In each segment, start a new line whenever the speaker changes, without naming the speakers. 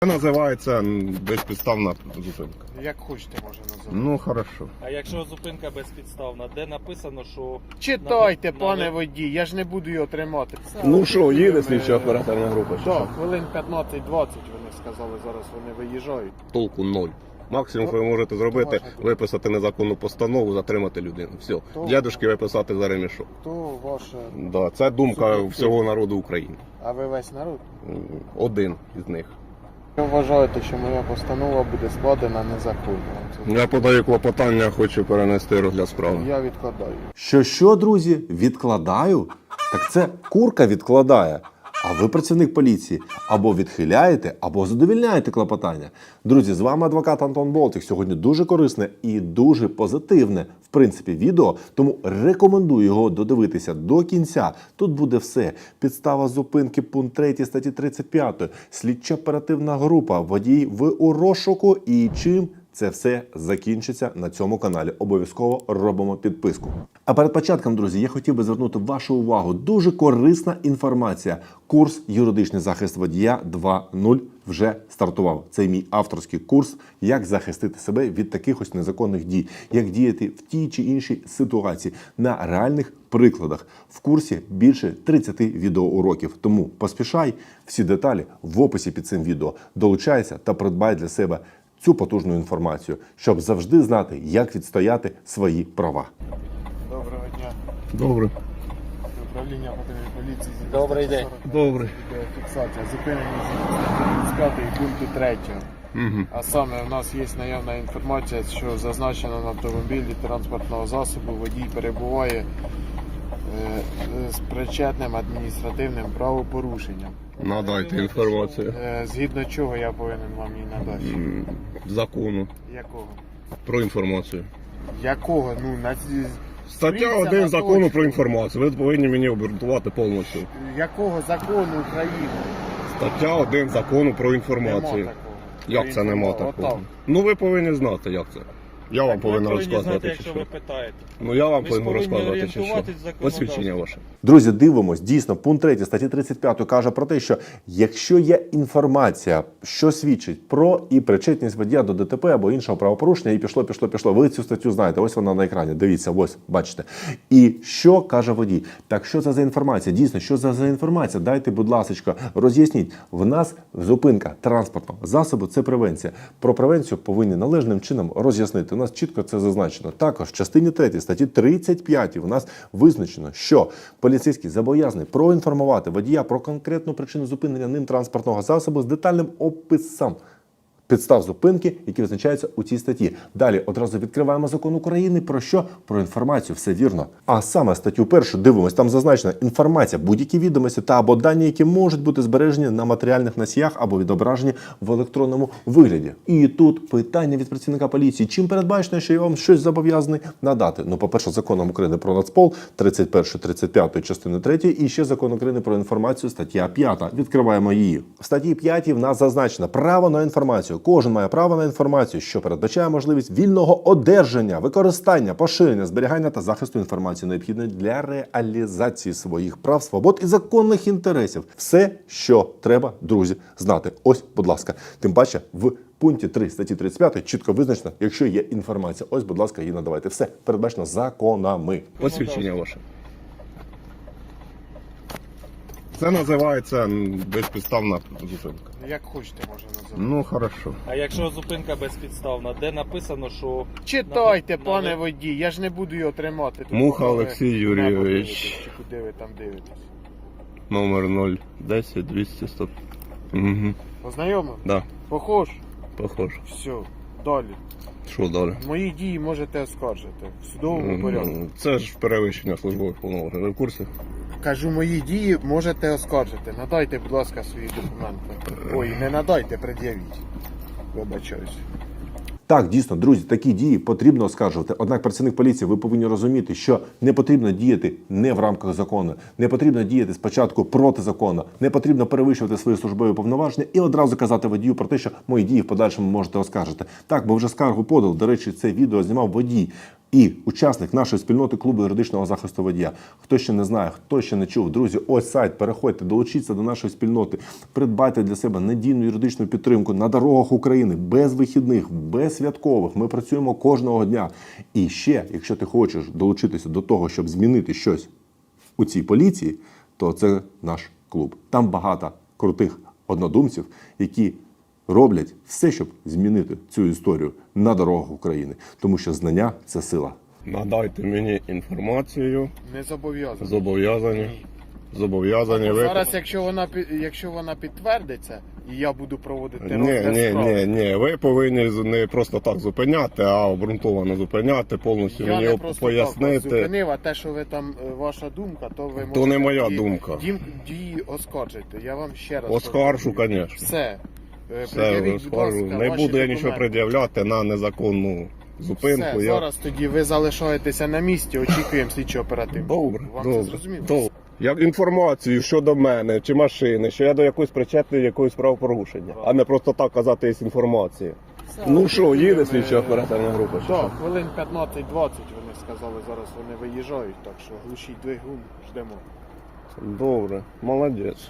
Це називається безпідставна зупинка.
Як хочете, може називати.
Ну, хорошо.
А якщо зупинка безпідставна, де написано, що...
Читайте, пане водій, я ж не буду його тримати.
Ну що, їде слідча оперативна група? чи
Так,
що?
хвилин 15-20 вони сказали, зараз вони виїжджають.
Толку ноль. Максимум, що ви можете зробити, виписати незаконну постанову, затримати людину. Все. Дядюшки виписати за ремішок.
То ваше...
Да, це думка всього народу України.
А ви весь народ?
Один із них.
Ви вважаєте, що моя постанова буде складена незаконно?
Я подаю клопотання, хочу перенести розгляд справи.
Я відкладаю.
Що, друзі, відкладаю? Так це курка відкладає. А ви працівник поліції. Або відхиляєте, або задовільняєте клопотання. Друзі, з вами адвокат Антон Болтик. Сьогодні дуже корисне і дуже позитивне, в принципі, відео. Тому рекомендую його додивитися до кінця. Тут буде все. Підстава зупинки, пункт 3 статті 35. Слідча оперативна група, водій у розшуку і чим це все закінчиться на цьому каналі. Обов'язково робимо підписку. А перед початком, друзі, я хотів би звернути вашу увагу. Дуже корисна інформація. Курс «Юридичний захист водія 2.0» вже стартував. Це мій авторський курс, як захистити себе від таких ось незаконних дій, як діяти в тій чи іншій ситуації на реальних прикладах. В курсі більше 30 відеоуроків. Тому поспішай, всі деталі в описі під цим відео. Долучайся та придбай для себе цю потужну інформацію, щоб завжди знати, як відстояти свої права.
Доброго дня.
Добре.
Управління патрульної поліції.
Добрий день.
Добре.
Фіксація. Зупинені з 5 пункту 3.
Угу.
А саме у нас є наявна інформація, що зазначено на автомобілі транспортного засобу водій перебуває з причетним адміністративним правопорушенням.
Надайте інформацію.
Згідно чого я повинен вам її надати?
Закону
Якого?
про інформацію.
Якого? Ну,
Стаття
Дивіться
1
на
закону
точку.
про інформацію. Ви повинні мені обґрунтувати повністю.
Якого закону України?
Стаття 1 закону про
Нема
інформацію.
такого.
Як це нема такого?
Отак.
Ну ви повинні знати, як це. Я вам
Ви
повинен
повинні знати,
розказувати, чи
якщо
що.
ви питаєте.
Ну я вам
Ви ж
повинен
повинні
розказувати, чи що.
орієнтуватись в законодавстві.
Посвідчення ваше.
Друзі, дивимось. Дійсно, пункт 3 статті 35 каже про те, що якщо є інформація, що свідчить про і причетність водія до ДТП або іншого правопорушення, і пішло. Ви цю статтю знаєте, ось вона на екрані. Дивіться, ось, бачите. І що каже водій? Так що це за інформація? Дійсно, що це за інформація? Дайте, будь ласка, роз'ясніть. В нас зупинка транспортного засобу – це превенція. Про превенцію повинні належним чином роз'яснити. У нас чітко це зазначено. Також в частині 3 статті 35 у нас визначено, що поліцейський зобов'язаний проінформувати водія про конкретну причину зупинення ним транспортного засобу з детальним описом підстав зупинки, які визначаються у цій статті. Далі одразу відкриваємо закон України про що? Про інформацію, все вірно. А саме статтю 1 дивимось, там зазначена інформація, будь-які відомості та або дані, які можуть бути збережені на матеріальних носіях або відображені в електронному вигляді. І тут питання від працівника поліції. Чим передбачено, що я вам щось зобов'язаний надати? Ну, по-перше, законом України про Нацпол, 31-35 частини 3, і ще закон України про інформацію, стаття 5. Відкриваємо її. В статті 5 в нас зазначено право на інформацію. Кожен має право на інформацію, що передбачає можливість вільного одержання, використання, поширення, зберігання та захисту інформації, необхідної для реалізації своїх прав, свобод і законних інтересів. Все, що треба, друзі, знати. Ось, будь ласка. Тим паче, в пункті 3 статті 35 чітко визначено, якщо є інформація. Ось, будь ласка, її надавайте. Все передбачено законами.
Посвідчення ваше. Це називається безпідставна зупинка.
Як хочете, може називати.
Ну, хорошо.
А якщо зупинка безпідставна, де написано, що...
Читайте, пане водій, я ж не буду його тримати. Тут
Муха
ви
Олексій
небо
Юрійович.
дивитесь, чи куди ви там дивитесь?
Номер 010 200 100. Угу.
Познайомив?
Да,
Похож?
похоже.
Все, далі.
Що далі?
Мої дії можете оскаржити в судовому порядку.
Це ж перевищення службових повноважень. Ви в курсі?
Кажу, мої дії можете оскаржити. Надайте, будь ласка, свої документи. Ой, не надайте, пред'явіть. Вибачаюсь.
Так, дійсно, друзі, такі дії потрібно оскаржувати. Однак працівник поліції, ви повинні розуміти, що не потрібно діяти не в рамках закону, не потрібно діяти спочатку проти закону, не потрібно перевищувати свої службові повноваження і одразу казати водію про те, що мої дії в подальшому можете оскаржити. Так, бо вже скаргу подав. До речі, це відео знімав водій і учасник нашої спільноти клубу юридичного захисту водія. Хто ще не знає, хто ще не чув, друзі, ось сайт, переходьте, долучіться до нашої спільноти, придбайте для себе надійну юридичну підтримку на дорогах України, без вихідних, без святкових. Ми працюємо кожного дня. І ще, якщо ти хочеш долучитися до того, щоб змінити щось у цій поліції, то це наш клуб. Там багато крутих однодумців, які роблять все, щоб змінити цю історію на дорогах України. Тому що знання – це сила.
Надайте мені інформацію.
Не зобов'язаний.
Зобов'язані. Зобов'язані ви.
Зараз, якщо вона підтвердиться, і я буду проводити
Ні,
розгляд справи,
ні. Ви повинні не просто так зупиняти, а обґрунтовано зупиняти, повністю
я
мені
не просто так вас
пояснити.
зупинив, а те, що ви там, ваша думка, то ви можете...
То не моя
дії-
думка.
Дії оскаржити. Я вам ще раз...
Оскаржу,
повторюю.
звісно.
Все.
Все,
Пред'явіть, будь
оскаржу.
ласка,
Не
ваші
буду я нічого
документи.
пред'являти на незаконну зупинку.
Все,
Я...
зараз тоді ви залишаєтеся на місці, очікуємо слідчо оперативно.
Добре,
Вам
добре,
це зрозуміло?
добре. Як інформацію щодо мене чи машини, що я до якоїсь причетний якоїсь правопорушення, а не просто так казати є інформація.
Все,
Ну що, їде
ми-
слідча оперативна група? чи що?
Так, хвилин 15-20 вони сказали, зараз вони виїжджають, так що глушіть двигун, ждемо.
Добре, молодець.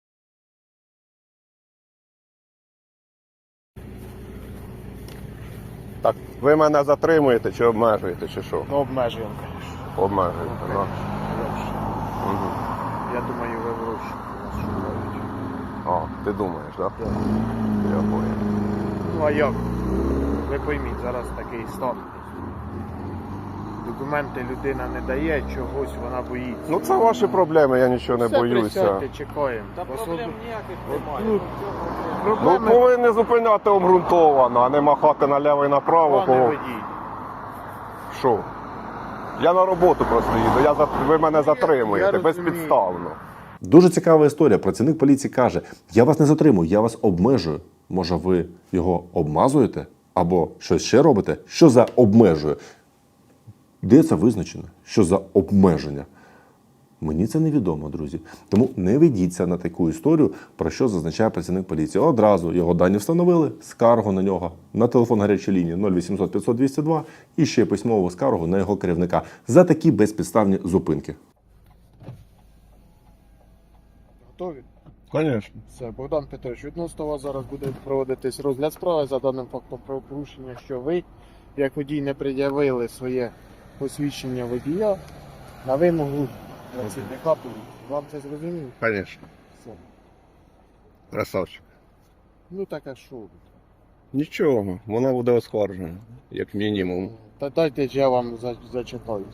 Так, ви мене затримуєте чи обмежуєте, чи що?
Ну, обмежуємо, звісно.
Обмежуєте, так. Угу.
Я думаю, ви в розшуку вас шукають.
А, ти думаєш, так?
Так.
Я понял.
Ну а як? Ви пойміть, зараз такий стан. Документи людина не дає, чогось вона боїться.
Ну це ваші проблеми, я нічого не
Все,
боюся.
присядьте, чекаємо.
Та проблем ніяких немає.
Ну,
Ну
проблеми,
повинні зупиняти обґрунтовано, а не махати наліво і направо.
пане
Кого...
водій.
Що? Я на роботу просто їду, ви мене затримуєте
розумію.
безпідставно.
Дуже цікава історія. Працівник поліції каже, я вас не затримую, я вас обмежую. Може, ви його обмазуєте? Або щось ще робите? Що за обмежує? Де це визначено? Що за обмеження? Мені це невідомо, друзі. Тому не ведіться на таку історію, про що зазначає працівник поліції. Одразу його дані встановили, скаргу на нього на телефон гарячої лінії 0800 500 202 і ще письмову скаргу на його керівника за такі безпідставні зупинки.
Готові?
Звісно.
Все, Богдан Петрович, відносно вас зараз буде проводитись розгляд справи за даним фактом правопорушення, що ви, як водій, не пред'явили своє посвідчення водія на вимогу працівника поліції. Вам це зрозуміло?
Звісно.
Все.
Красавчик.
Ну так а що?
Нічого, вона буде оскаржена, як мінімум.
Та дайте ж я вам зачитаю.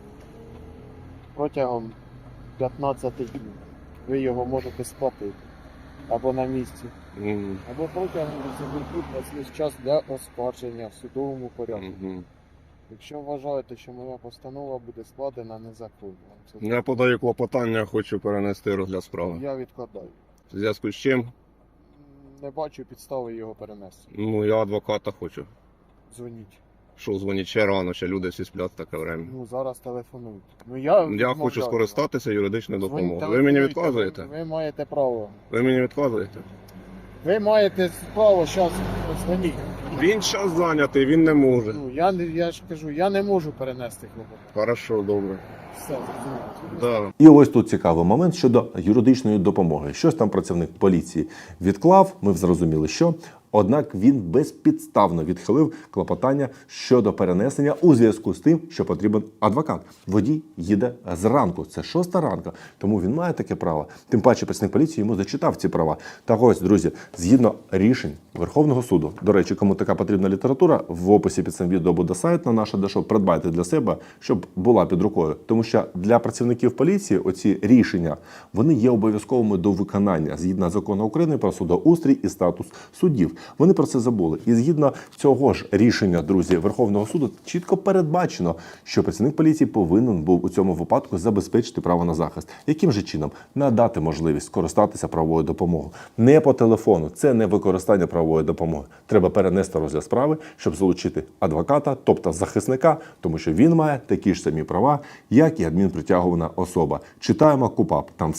Протягом 15 днів ви його можете сплатити. Або на місці.
Мгм.
Або протягом 10 днів у вас є час для оскарження в судовому порядку.
Мгм.
Якщо вважаєте, що моя постанова буде складена незаконно,
Я подаю клопотання, хочу перенести розгляд справи.
я відкладаю.
В зв'язку з чим?
Не бачу підстави його перенести.
Ну, я адвоката хочу.
Дзвоніть.
Що дзвонить ще рано, ще люди всі сплять в таке время.
Ну зараз телефонуйте. Ну
Я
відмовляю
хочу
вам.
скористатися юридичною
Дзвоніть,
допомогою. Ви мені
телефонуйте.
відказуєте?
Ви маєте право.
Ви мені відказуєте?
Ви маєте право зараз дзвоніть.
Він час зайнятий, він не може.
Ну я ж кажу, я не можу перенести клопотання.
Хорошо, добре.
Все, зрозуміло.
Да.
І ось тут цікавий момент щодо юридичної допомоги. Щось там працівник поліції відклав, ми зрозуміли, що. Однак він безпідставно відхилив клопотання щодо перенесення у зв'язку з тим, що потрібен адвокат. Водій їде зранку, це 6 ранку, тому він має таке право. Тим паче працівник поліції йому зачитав ці права. Так ось, друзі, згідно рішень Верховного суду, до речі, кому така потрібна література, в описі під цим відео буде сайт на наше дешо, придбайте для себе, щоб була під рукою. Тому що для працівників поліції оці рішення, вони є обов'язковими до виконання, згідно закону України про судоустрій і статус суддів. Вони про це забули. І згідно цього ж рішення, друзі, Верховного суду чітко передбачено, що працівник поліції повинен був у цьому випадку забезпечити право на захист. Яким же чином? Надати можливість скористатися правовою допомогою. Не по телефону. Це не використання правової допомоги. Треба перенести розгляд справи, щоб залучити адвоката, тобто захисника, тому що він має такі ж самі права, як і адмінпритягувана особа. Читаємо КУпАП. Там все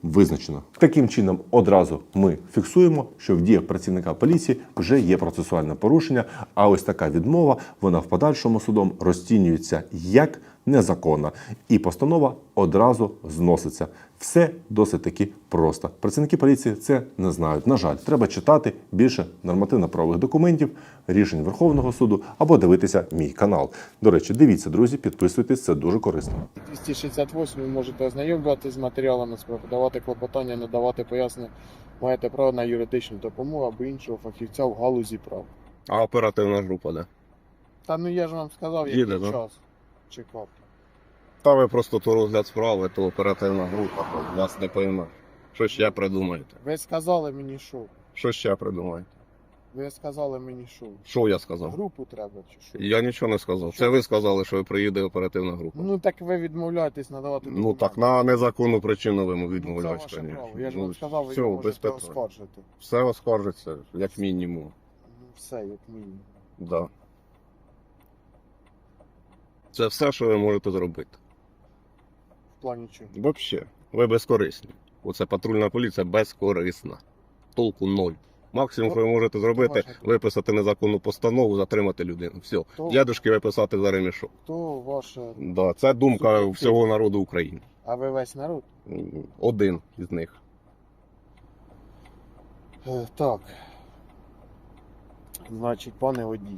визначено. Таким чином, одразу ми фіксуємо, що в діях працівника поліції вже є процесуальне порушення, а ось така відмова, вона в подальшому судом розцінюється як незаконна. І постанова одразу зноситься. Все досить таки просто. Працівники поліції це не знають. На жаль, треба читати більше нормативно-правових документів, рішень Верховного суду або дивитися мій канал. До речі, дивіться, друзі, підписуйтесь, це дуже корисно.
268 ви можете ознайомлюватися з матеріалами справи, давати клопотання, надавати пояснення. Маєте право на юридичну допомогу або іншого фахівця в галузі прав.
А оперативна група, де?
Та ну я ж вам сказав,
Їде,
який
да?
час чекав.
Та ви просто то розгляд справи, то оперативна група, то вас не пойме. Що ще придумаєте?
Ви сказали мені що?
Що ще придумаєте?
Ви сказали мені що?
Що я сказав?
Групу треба чи що?
Я нічого не сказав. Це ви сказали, що приїде оперативна група.
Ну так ви відмовляєтесь надавати
Ну
документи.
так, на незаконну причину ви
Це
відмовляєте.
ваше
конечно.
право. Я ж
Ну,
вам сказав, ви
все,
його
без
можете
питань.
оскаржити.
Все оскаржиться, як мінімум.
Ну, все, як мінімум.
Да. Це все, що ви можете зробити.
В плані чого?
Взагалі, ви безкорисні. Оце патрульна поліція безкорисна. Толку ноль. Максимум, що ви можете зробити,
Ваша-
виписати незаконну постанову, затримати людину. Все.
То-
Дядушки виписати за ремішок.
То ваше...
Да, це думка
Суб'єктивно.
всього народу України.
А ви весь народ?
Один із них.
Так. Значить, пане водій,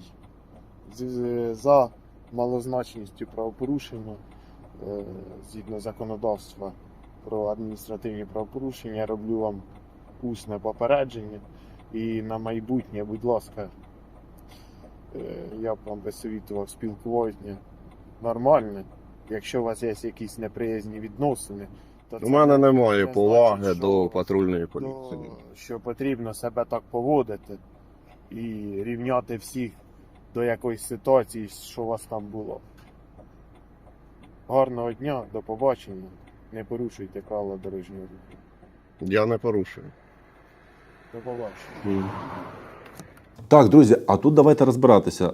за малозначністю правопорушення, згідно законодавства про адміністративні правопорушення, я роблю вам усне попередження. І на майбутнє, будь ласка, я б вам би совітував спілкування нормальне. Якщо у вас є якісь неприязні відносини, то
У мене немає
не
поваги
значить,
до
що-
патрульної
то,
поліції.
що потрібно себе так поводити і рівняти всіх до якоїсь ситуації, що у вас там було. Гарного дня, до побачення. Не порушуйте правила дорожнього руху.
Я не порушую.
До побачення.
Так, друзі, а тут давайте розбиратися.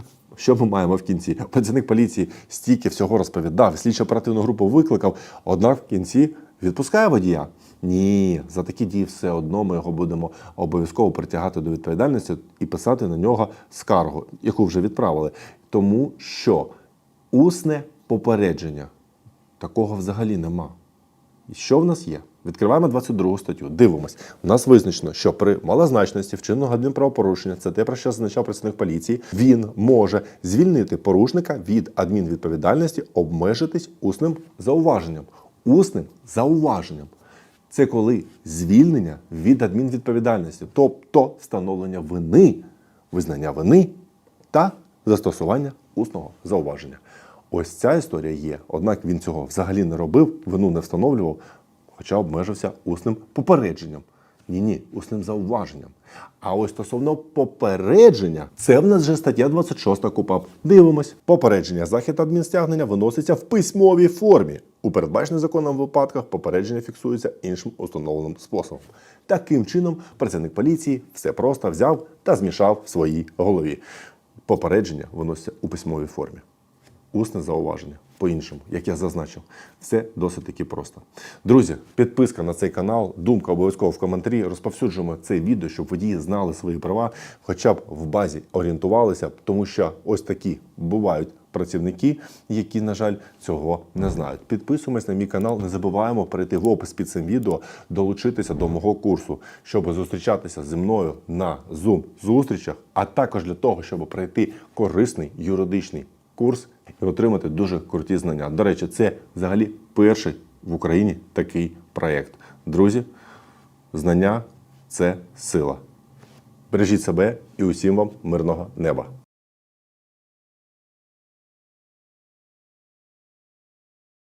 Що ми маємо в кінці? Працівник поліції стільки всього розповідав, слідчо-оперативну групу викликав, однак в кінці відпускає водія. Ні, за такі дії все одно ми його будемо обов'язково притягати до відповідальності і писати на нього скаргу, яку вже відправили. Тому що усне попередження такого взагалі нема. І що в нас є? Відкриваємо 22 статтю, дивимось. У нас визначено, що при малозначності вчиненого адмінправопорушення, це те, про що зазначав працівник поліції, він може звільнити порушника від адмінвідповідальності, обмежитись усним зауваженням. Усним зауваженням. Це коли звільнення від адмінвідповідальності, тобто встановлення вини, визнання вини та застосування усного зауваження. Ось ця історія є. Однак він цього взагалі не робив, вину не встановлював, хоча обмежився усним попередженням. Ні, усним зауваженням. А ось стосовно попередження, це в нас вже стаття 26 КУпАП. Дивимось. Попередження захід адмінстягнення виноситься в письмовій формі. У передбачених законом випадках попередження фіксується іншим установленим способом. Таким чином, працівник поліції все просто взяв та змішав в своїй голові. Попередження виноситься у письмовій формі. Усне зауваження. По-іншому, як я зазначив, все досить таки просто. Друзі, підписка на цей канал, думка обов'язково в коментарі. Розповсюджуємо це відео, щоб водії знали свої права, хоча б в базі орієнтувалися, тому що ось такі бувають працівники, які, на жаль, цього не знають. Підписуємось на мій канал, не забуваємо перейти в опис під цим відео, долучитися до мого курсу, щоб зустрічатися зі мною на Zoom-зустрічах, а також для того, щоб пройти корисний юридичний курс і отримати дуже круті знання. До речі, це взагалі перший в Україні такий проєкт. Друзі, знання – це сила. Бережіть себе і усім вам мирного неба.